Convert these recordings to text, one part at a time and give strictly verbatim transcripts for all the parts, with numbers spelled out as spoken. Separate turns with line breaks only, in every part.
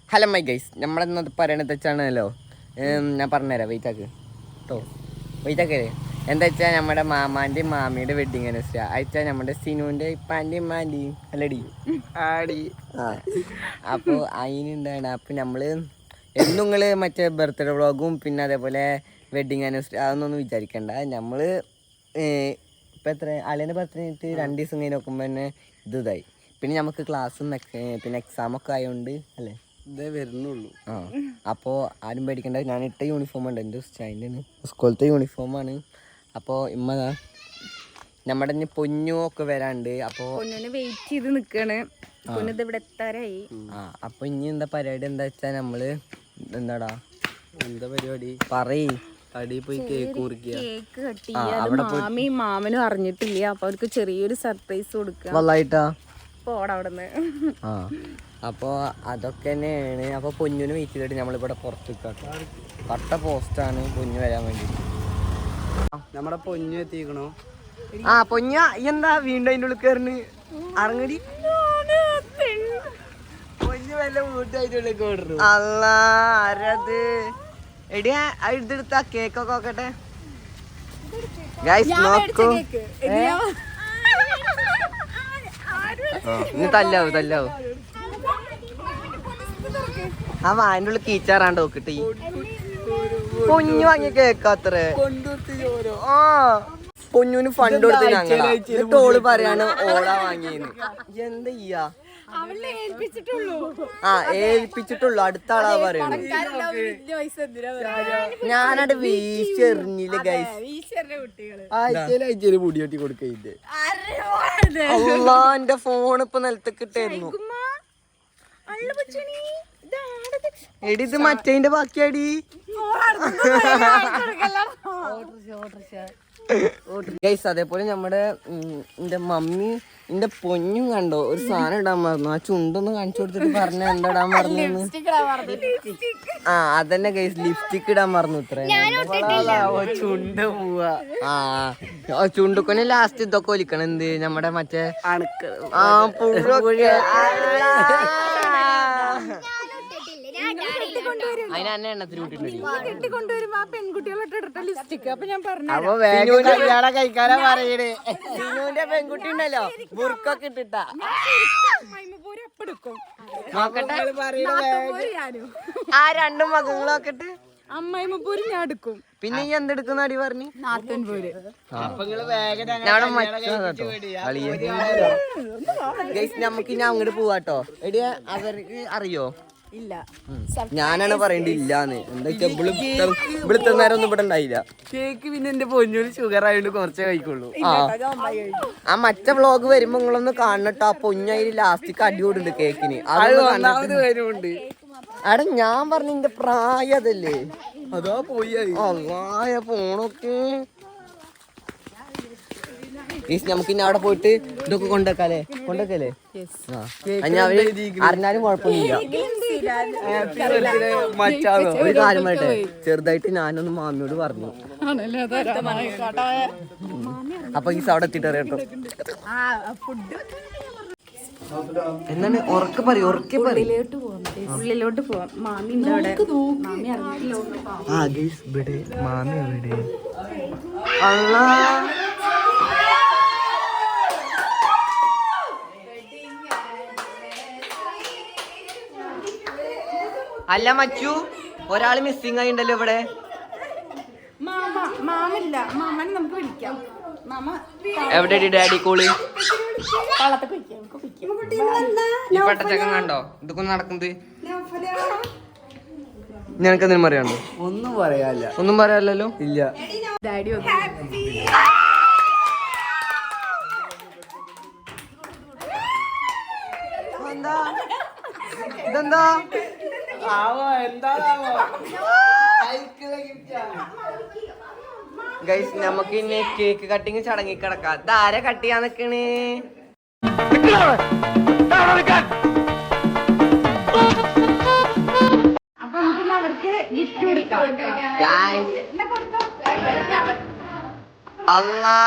Hello my guys, നമ്മളെന്നത് പറയണത് വെച്ചാണല്ലോ, ഞാൻ പറഞ്ഞുതരാം. വെയിറ്റാക്ക് കേട്ടോ, വെയിറ്റാക്കേ. എന്താ വെച്ചാൽ നമ്മുടെ മാമാൻ്റെയും മാമിയുടെ വെഡിങ് ആനിവേഴ്സറി അയച്ചാൽ നമ്മുടെ സിനുവിൻ്റെ ഇപ്പാൻ്റെയും മാൻ്റെയും അല്ലടി ആടി ആ അപ്പോൾ അതിനുണ്ടാണ്. അപ്പോൾ നമ്മൾ എന്നും നിങ്ങൾ മറ്റേ ബർത്ത്ഡേ വ്ളോഗും പിന്നെ അതേപോലെ വെഡിങ് ആനിവേഴ്സറി അതൊന്നും വിചാരിക്കണ്ട. നമ്മൾ ഇപ്പം എത്ര അളിയൻ്റെ ബർത്ത്ഡേ കഴിഞ്ഞിട്ട് രണ്ട് ദിവസം കഴിഞ്ഞ് നോക്കുമ്പോൾ തന്നെ ഇത് ഇതായി. പിന്നെ നമുക്ക് ക്ലാസ്സും പിന്നെ എക്സാമൊക്കെ ആയതുകൊണ്ട് അല്ലേ ഇതേ വരുന്നുള്ളൂ. ആ അപ്പോൾ ആരും പേടിക്കണ്ട. ഞാൻ ഇട്ട യൂണിഫോം ഉണ്ട്, എൻ്റെ സ്റ്റാൻഡിന് സ്കൂളത്തെ യൂണിഫോമാണ്. അപ്പോൾ ഇമ്മ നമ്മുടെ ഇനി പൊന്നു ഒക്കെ വരാണ്ട്. അപ്പോൾ
വെയിറ്റ് ചെയ്ത് നിൽക്കാണ്. ഇവിടെ എത്താറായി.
ആ അപ്പോൾ ഇനി എന്താ പരിപാടി എന്താ വെച്ചാൽ നമ്മള് എന്താടാ എന്താ പരിപാടി പറയ്. അടി പോയി കേക്ക് മുറിക്കുക,
കേക്ക് കട്ട് ചെയ്യുക. മാമിയും മാമനും അറിഞ്ഞിട്ടില്ല. അപ്പൊ അവർക്ക് ചെറിയൊരു സർപ്രൈസ് കൊടുക്കുക.
വല്ലായിട്ടാ
പോടാ അവിടുന്ന്.
ആ അപ്പോൾ അതൊക്കെ തന്നെയാണ്. അപ്പോൾ പൊന്നിന് വെയിറ്റ് ചെയ്തിട്ട് നമ്മളിവിടെ പുറത്ത് നിൽക്കാം. കട്ട പോസ്റ്റാണ് പൊന്നു വരാൻ വേണ്ടി.
നമ്മുടെ പൊന്നു എത്തിക്കണോ?
ആ പൊന്ന എന്താ വീണ്ടും അതിൻ്റെ ഉള്ളിൽ കയറിന് ഇറങ്ങടി. പൊന്നു വല്ല വീട്ടായിട്ടുള്ളിലേക്ക് ഓടുന്നു. അല്ല ആരത് എടിയാ ഇതെടുത്ത കേക്കൊക്കെ നോക്കട്ടെ ഗൈസ്. നോക്കൂ, ഇനി തല്ലാവും തല്ലാവും. ആ വായൻ്റെ ഉള്ളിൽ കീച്ചാറാണ്ട് നോക്കിട്ട് ഈ പൊന്നു വാങ്ങിയ കേക്കാത്രേ. ആ പൊന്നുവിന് ഫണ്ട് കൊടുത്ത് ഞങ്ങൾ ടോള് പറയാണ് ഓളാ വാങ്ങിയെന്ന്. എന്താ ചെയ്യാ? ആ ഏൽപ്പിച്ചിട്ടുള്ളൂ. അടുത്ത ആളാ പറയുന്നത്. ഞാനവിടെ വീശെറിഞ്ഞില്ല ഗൈസ്.
ആഴ്ചയിലാഴ്ചയില് മുടി കെട്ടി കൊടുക്കയില്ലേ?
അള്ളാ എന്റെ ഫോൺ ഇപ്പൊ നിലത്തേക്ക് ഇട്ടായിരുന്നു. എടി ഇത് മറ്റേന്റെ ബാക്കിയാടി. ഗൈസ് അതേപോലെ നമ്മുടെ എന്റെ മമ്മി എന്റെ പൊന്നും കണ്ടോ ഒരു സാധനം ഇടാൻ മറന്നു. ആ ചുണ്ടൊന്ന് കാണിച്ചു കൊടുത്തിട്ട് പറഞ്ഞ എന്താ ഇടാൻ മറന്നു. ആ അതന്നെ ഗൈസ്, ലിപ്സ്റ്റിക് ഇടാൻ മറന്നു. ഇത്ര ചുണ്ട് പോവാ. ആ ചുണ്ടുക്കൊന്നെ ലാസ്റ്റ് ഇതൊക്കെ ഒലിക്കണം. എന്ത് നമ്മുടെ മറ്റേ ആ പുഴൊക്കെ അതിനെ എണ്ണത്തിൽ കഴിക്കാനാ പറയണേ. സിനുവിന്റെ പെൺകുട്ടി ഉണ്ടല്ലോ ബുർക്കൊക്കെ ഇട്ടിട്ടാ. നോക്കട്ടെ ആ രണ്ടും മകളൊക്കെ ഇട്ട്
അമ്മായിമ്മൂര് ഞാൻ എടുക്കും.
പിന്നെ ഈ എന്തെടുക്കുന്ന അടി പറഞ്ഞു നമുക്ക് ഇനി അങ്ങോട്ട് പോവാട്ടോ. എടിയ അവർക്ക് അറിയോ?
ഇല്ല,
ഞാനാണ് പറയണ്ട ഇല്ലാന്ന്. എന്താ വെച്ചാ ഇവിടുത്തെ നേരം ഒന്നും ഇവിടെ ഉണ്ടായില്ല.
കേക്ക് പിന്നെ എന്റെ പൊന്നൂര് ഷുഗർ ആയതുകൊണ്ട് കുറച്ചേ കഴിക്കുള്ളൂ.
ആ ആ മറ്റേ വ്ളോഗ് വരുമ്പോ നിങ്ങളൊന്ന് കാണട്ടോ. ആ പൊന്നയില് ലാസ്റ്റിക്ക് അടിയോടുണ്ട് കേക്കിന്.
വരുന്നുണ്ട്.
എടാ ഞാൻ പറഞ്ഞ എന്റെ പ്രായം അതല്ലേ.
അതാ പോയി
അള്ളായ ഫോണൊക്കെ നമുക്ക് ഇനി അവിടെ പോയിട്ട് ഇതൊക്കെ കൊണ്ടുവെക്കാല്ലേ കൊണ്ടുവെക്കല്ലേ. അറിഞ്ഞാലും കുഴപ്പമൊന്നുമില്ല. ഒരു കാര്യം പറയട്ടെ, ചെറുതായിട്ട് ഞാനൊന്ന് മാമിയോട് പറഞ്ഞു. അപ്പൊ ഈ അവിടെ എത്തിയിട്ട് അറിയാട്ടോ. എന്താണ് ഉറക്കെ പറയും ഉറക്കെ പറയും.
ഉള്ളിലോട്ട് പോവാം. മാമി മാമി
ആ ഗൈസ് ഇവിടെ മാമി എവിടെ? അള്ളാ അല്ല മച്ചു ഒരാള് മിസ്സിംഗ് ആയി ഉണ്ടല്ലോ ഇവിടെ.
മാമില്ല, മാമനെ നമുക്ക് വിളിക്കാം.
എവിടെ ഡാഡി കോള്? ഈ പട്ടച്ചക്കം കണ്ടോ ഇതൊക്കെ നടക്കുന്നത്? നിനക്ക് എന്തെങ്കിലും പറയാനുണ്ടോ?
ഒന്നും പറയാല്ല.
ഒന്നും പറയാല്ലോ.
ഇല്ല.
ഡാഡി
ഇതെന്താ ഗൈസ്? നമുക്ക് ഇനി കേക്ക് കട്ടിങ് ചടങ്ങി കിടക്കാം. ഇതാരെ കട്ട് ചെയ്യാൻ നിക്കണ്? അല്ലാ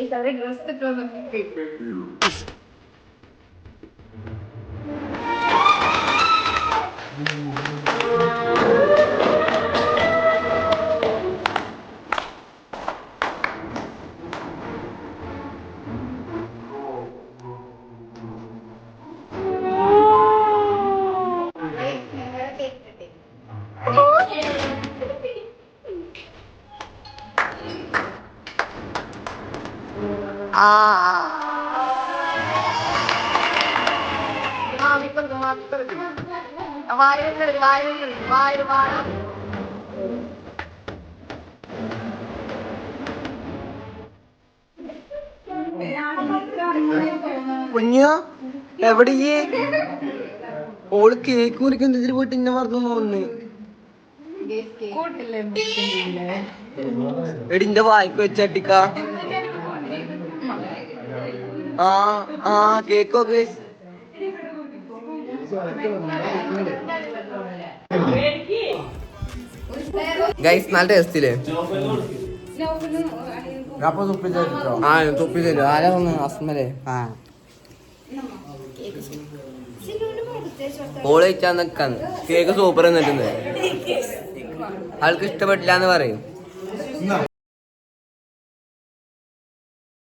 കുഞ്ഞോ എവിടെ ഓള് കേക്ക് മുറിക്കുന്നതിൽ പോയിട്ട് ഇന്നെ മറന്നു പോകുന്നു. എടിന്റെ വായിക്ക് വെച്ചട്ടിക്ക. ആ ആ കേക്കൊക്കെ
ഗൈസ് നല്ല ടേസ്റ്റില്ലേ? ആ തുപ്പി തരും. ആരാ ഒന്ന് അസ്മലേ? ആ ഓള് കഴിച്ചാൽ നിക്കാന്ന്. Cake super എന്നിട്ടുണ്ട്. ആൾക്ക് ഇഷ്ടപ്പെട്ടില്ല എന്ന് പറയും.